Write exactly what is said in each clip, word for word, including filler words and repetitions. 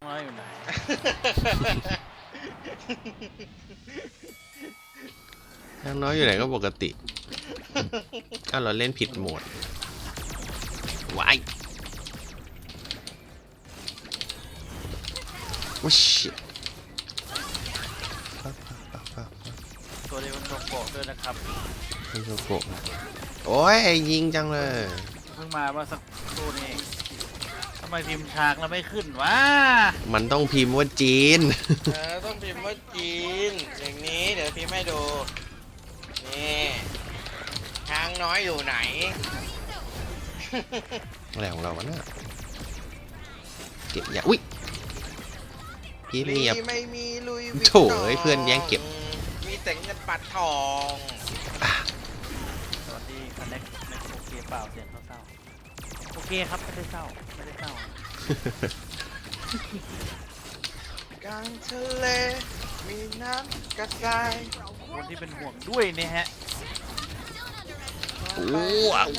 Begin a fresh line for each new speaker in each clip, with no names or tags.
น้อยอยู่ไหน
ช้างน้อยอยู่ไหนก็ปกติอ้าวเราเล่นผิดโหมดวายว้าชิ
ตัวนี้มันโชโกะด้วยนะครับ
มันโชโกะโอ้ยยิงจังเลย
เพิ่งมาเมื่อสักครู่นี้ทำไมพิมพ์ช้างแล้วไม่ขึ้นวะ
มันต้องพิมพ์ว่าจีน
เออต้องพิมพ์ว่าจีนอย่างนี้เดี๋ยวพิมพ์ให้ดูนี่ช้างน้อยอยู่ไหน
อะไรของเราวะเนี่ยเก็บอย่าอุ้ยพี่เงียบ
ไม่มีลุย
โถเอ้ยเพื่อนแย่งเก็บ
มีแต่เงินปัดทอง
สวัสดีคอนเน็กในโอเคเปล่าเสียงเศร้าๆโอเคครับไม่ได้เศร้าไม่ได้เศร้าก
ลางทะเลมีน้ำกระจาย
คนที่เป็นห่วงด้วยเนี่ยฮะ
โอ้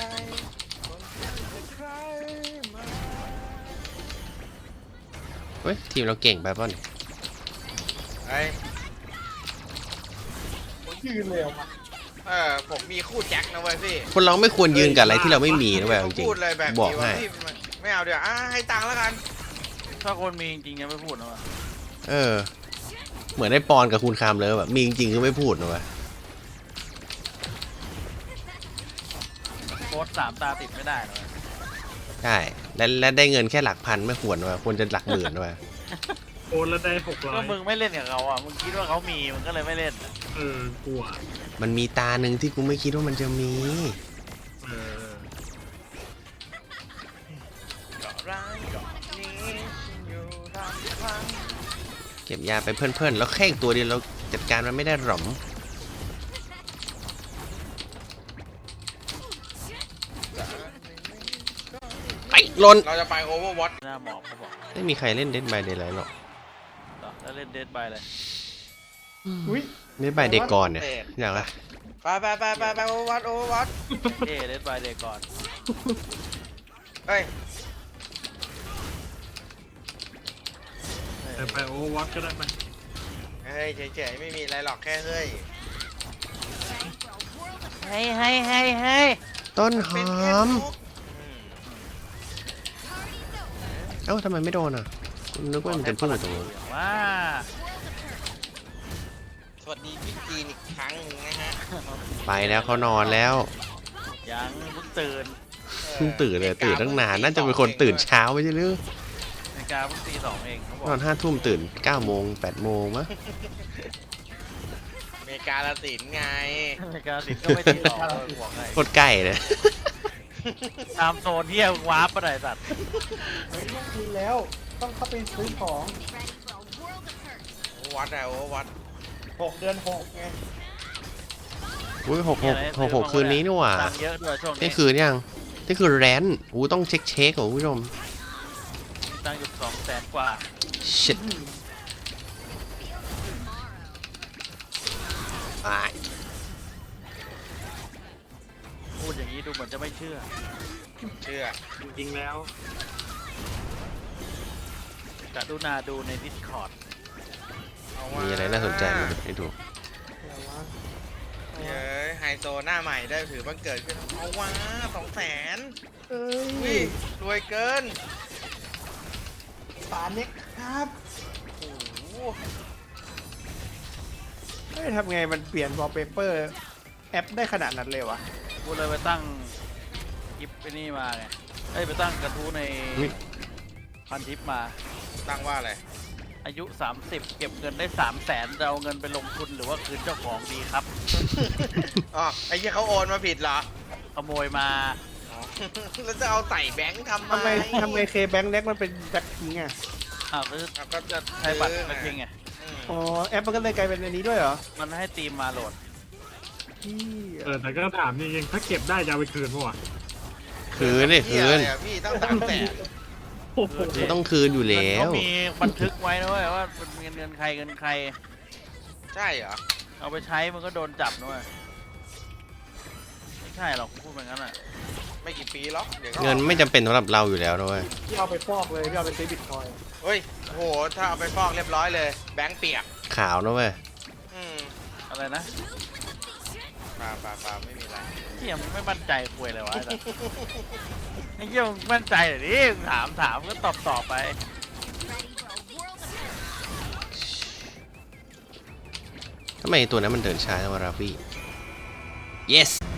เฮ้ยทีมเราเก่งไปป่ะเนี่ย
ไอ้
ยืนเลยมา
เออผมมีคู่แจ็คนะเว้ยพี่
คนเราไม่ควรยืนกับอะไรที่เราไม่มีนะเว้ยจริงๆบอกให้
ไม่เอาเดี๋ยวอ่ะให้ตังค์แล้วกัน
ถ้าคนมีจริงๆยังไม่พูดนะวะ
เออเหมือนได้ปอนกับคุณคามเลยแบบมีจริงๆก็ไม่พูดนะเว้ย
โค้ดสามตาติดไม่ได้เลย
ใช่และและได้เงินแค่หลักพันไม่ควรว่ะควรจะหลักหมื่นว่ะ
โอนแล้วได้หกร้อย
ก็มึงไม่เล่นกับเขาอ่ะมึงคิดว่าเขามีมึงก็เลยไม่เล่น
เออกลัว
มันมีตาหนึ่งที่กูไม่คิดว่ามันจะมี
เออ
เก็บยาไปเพื่อนๆแล้วแค่อีกตัวเดียวเราจัดการมันไม่ได้หรอมไปลน
เราจะไปโอเวอร์วอต
หน้าหมอบเขาบอก
ไม่มีใครเล่นเดดบายเดย์ไลท์หรอก
แล้วเล่นเดดบายเลย
เดดบายเดย์ก่อนเนี่ยอย่างไร
ไปไปไปไปไปโอเวอร์วอตโอเวอร์วอต
เดดเดดบายเดย์ก่อน
เฮ้ย
แต่ไปโอเวอร์วอตก็ได้ไหม
เฮ้ยเฉยๆไม่มีอะไรหรอกแค่เฮ้ย
ให้ให้ให้ให้
ต้นหอมเอ้าทำไมไม่โดนอ่ะนึกว่ามันจะพูดตรงนู้น
ว้า
สวัสดีพี่จีนอีกครั้งนึงนะฮะ
ไปแล้วเขานอนแล้ว
ยังเพิ่งตื่น
เพิ่งตื่นเลยตื่นตั้งนานน่าจะเป็นคนตื่นเช้าไม่ใช่หรือ
นาฬิกาเพิ่งตีสองเองเขาบอก
นอนห้าทุ่มตื่นเก้าโมงแปดโมงมั้ง
อเมริกาละสินไง
อเมริกาสินก็ไม่ตีสองห่วงไง
โคตรใกล้เลย
ตามโซนที่วาร์ปไปไหนสัตว์
เฮ้ยต้องกินแล้วต้องเข้าไปซื้อของ
วัดอะโอ้วัด
หกเดือนหกไง
อุ้ยหกหกหกหกคืนนี้นี่หว่า
เยอะด้วยช่วงนี้
นี่คืนยังนี่คือแรนอู้ต้องเช็คเช็คของผู้ชม
ตั้งอยู่สองแสนกว่า
ชิต
พูดอย่างนี้ดูเหมือนจะไม่เชื่อ
เชื่อ
จริงๆแล้ว
กรุณาดูใน Discord
มีอะไรน่าสนใจไหมให้ดู
เย้ยไฮโซหน้าใหม่ได้ถือบังเกิดขึ้นเอาว้าสองแสน
เอ้
ยรวยเกิน
ป่าเน็กครับ
โอ้โห
เฮ้ยทำไงมันเปลี่ยนวอลเปเปอร์แอปได้ขนาดนั้นเลยวะ
กูเลยไปตั้งคลิปไปนี่มาไงเอ้ยไปตั้งกระทู้ในพันทิปมา
ตั้งว่าอะไร
อายุสามสิบเก็บเงินได้สามแสนจะเอาเงินไปลงทุนหรือว่าคืนเจ้าของดีครับ
อ๋อไอ้ยี่เขาโอนมาผิดเหรอ
ขโมยมา
แล้วจะเอาใส่แบงค์ทำไม
ทำไมทำไมเคแบงค์เล็กมันเป็นแบ็คพิงอ่ะ
อ้าวก็จะใช้บัตรแบ็คพิงไง
อ๋อแอปมันก็เลยกลายเป็นอันนี้ด้วยเหรอ
มันให้ตีมมาโหลด
เออแต่ก็ถามจริงๆถ้าเก็บได้จะเอาไปคืนป่ะวะ
คืนนี่คืน
พี่ต้องสามแสน
ต้องคืนอยู่แล้ว
มีบันทึกไว้นะเว้ยว่าเป็นเงินเงินใครเงินใคร
ใช่เหรอ
เอาไปใช้มันก็โดนจับนะเว้ยไม่ใช่หรอกพูดแบบนั้นอ่ะ
ไม่กี่ปีหรอกเดี๋ยวก็
เงินไม่จำเป็นสำหรับเราอยู่แล้วนะเว้ย
พี่เอาไปฟอกเลยพี่เอาไปซื้อบิตคอยน์
เฮ้ยโหถ้าเอาไปฟอกเรียบร้อยเลย แบงค์เปียก
ขาวนะเว้ย
อืม
อะไรนะ
ปลาปลาปลาไม่มีอะไร
เหี้ยมึงไม่มั่นใจคุยเลยวะไอ้สัสไอ้เหี้ยมึงมั่นใจเหรอดิมึงถามถามก็ตอบตอบไป
ทำไมตัวนั้นมันเดินช้าจังวะราฟี่ yes